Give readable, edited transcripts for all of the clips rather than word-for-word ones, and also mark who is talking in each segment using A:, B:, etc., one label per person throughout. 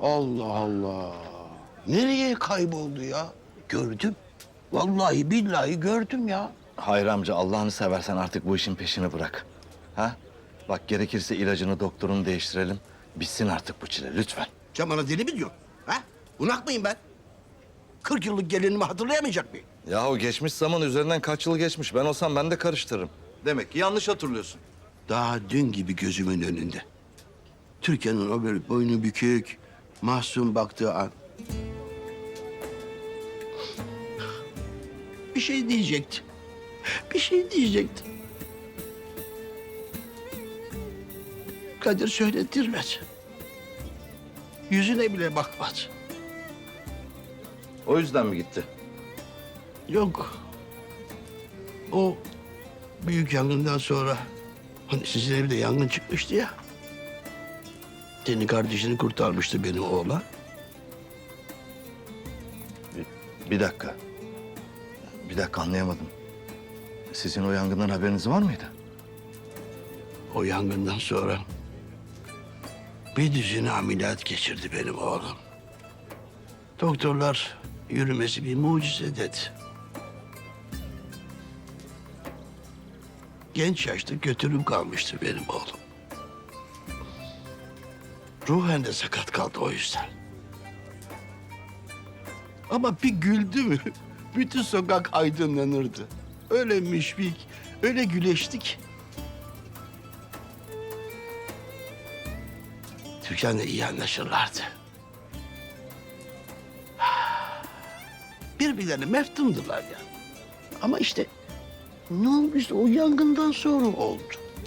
A: Allah Allah. Nereye kayboldu ya? Gördüm. Vallahi billahi gördüm ya.
B: Hayır amca, Allah'ını seversen artık bu işin peşini bırak. Ha? Bak, gerekirse ilacını, doktorunu değiştirelim. Bitsin artık bu çile lütfen.
A: Sen bana deli mi diyorsun? Ha? Bunak mıyım ben? 40 yıllık gelinimi hatırlayamayacak mıyım?
B: Yahu geçmiş zaman üzerinden kaç yıl geçmiş. Ben olsam ben de karıştırırım. Demek ki yanlış hatırlıyorsun.
A: Daha dün gibi gözümün önünde. Türkiye'nin o böyle boynu bükük, mahzun baktığı an. Bir şey diyecekti. Bir şey diyecekti. Kadir söyletirmedi. Yüzüne bile bakmadı.
B: O yüzden mi gitti?
A: Yok. O büyük yangından sonra hani sizin evde yangın çıkmıştı ya. Senin kardeşini kurtarmıştı benim oğlan.
B: Bir dakika. Bir dakika, anlayamadım. Sizin o yangından haberiniz var mıydı?
A: O yangından sonra bir düzine ameliyat geçirdi benim oğlum. Doktorlar yürümesi bir mucize dedi. Genç yaşta götürüm kalmıştı benim oğlum. Ruhen de sakat kaldı o yüzden. Ama bir güldü mü bütün sokak aydınlanırdı. Öyle müşfik, öyle güleştik. Türkan'la iyi anlaşırlardı. Birbirlerine meftundular ya. Ama işte ne olmuştu o yangından sonra oldu.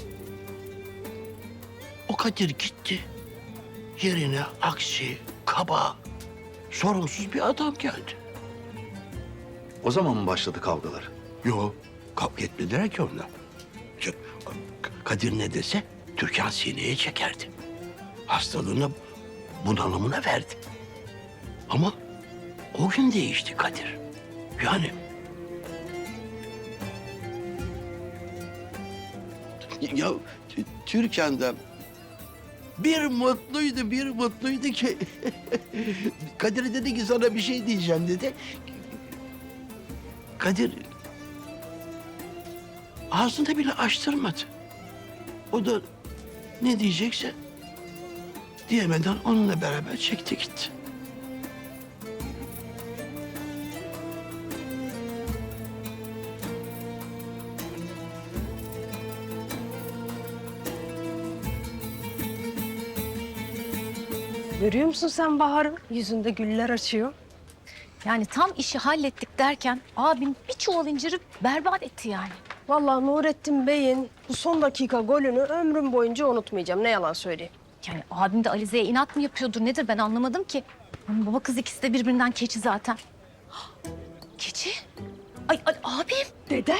A: O Kadir gitti. Yerine aksi, kaba, sorumsuz bir adam geldi.
B: O zaman mı başladı kavgalar?
A: Yok, kavga etmediler ki onlar. Kadir ne dese Türkan sineye çekerdi. Hastalığına, bunalımına verdi. Ama o gün değişti Kadir. Yani... Ya Türkan da bir mutluydu ki... Kadir dedi ki sana bir şey diyeceğim dedi. Kadir ağzını bile açtırmadı. O da ne diyecekse diyemeden onunla beraber çekti gitti.
C: Görüyor musun sen Bahar'ı? Yüzünde güller açıyor.
D: Yani tam işi hallettik derken abim bir çuval inciri berbat etti yani.
C: Vallahi Nurettin Bey'in bu son dakika golünü ömrüm boyunca unutmayacağım. Ne yalan söyleyeyim.
D: Yani abim de Alize'ye inat mı yapıyordur nedir ben anlamadım ki. Onun baba kız ikisi de birbirinden keçi zaten. Keçi? Ay abim.
C: Dede.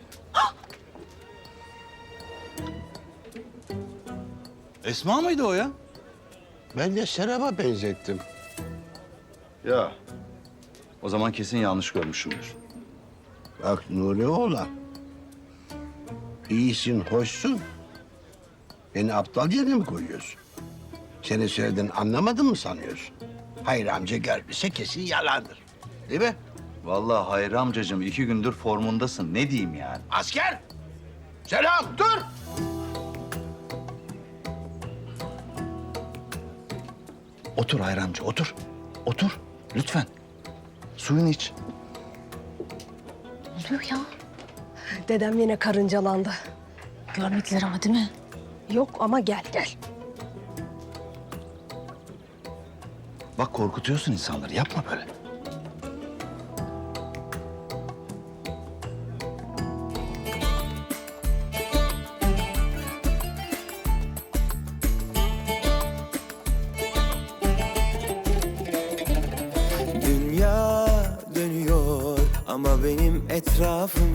B: Esma mıydı o ya?
A: Ben de Serap'a benzettim.
B: Ya. O zaman kesin yanlış görmüşümdür.
A: Bak Nuri oğlan. İyisin, hoşsun. Beni aptal yerine mi koyuyorsun? Senin söylediğini anlamadın mı sanıyorsun? Hayır amca gelmişse kesin yalandır. Değil mi?
B: Vallahi Hayri amcacığım 2 gündür formundasın. Ne diyeyim yani?
A: Asker! Selam, dur!
B: Otur Hayri amca, otur. Otur, lütfen. Suyunu iç.
D: Ne oluyor ya?
C: Dedem yine karıncalandı.
D: Görmediler ama değil mi?
C: Yok ama gel.
B: Bak korkutuyorsun insanları, yapma böyle.
E: Dünya dönüyor ama benim etrafım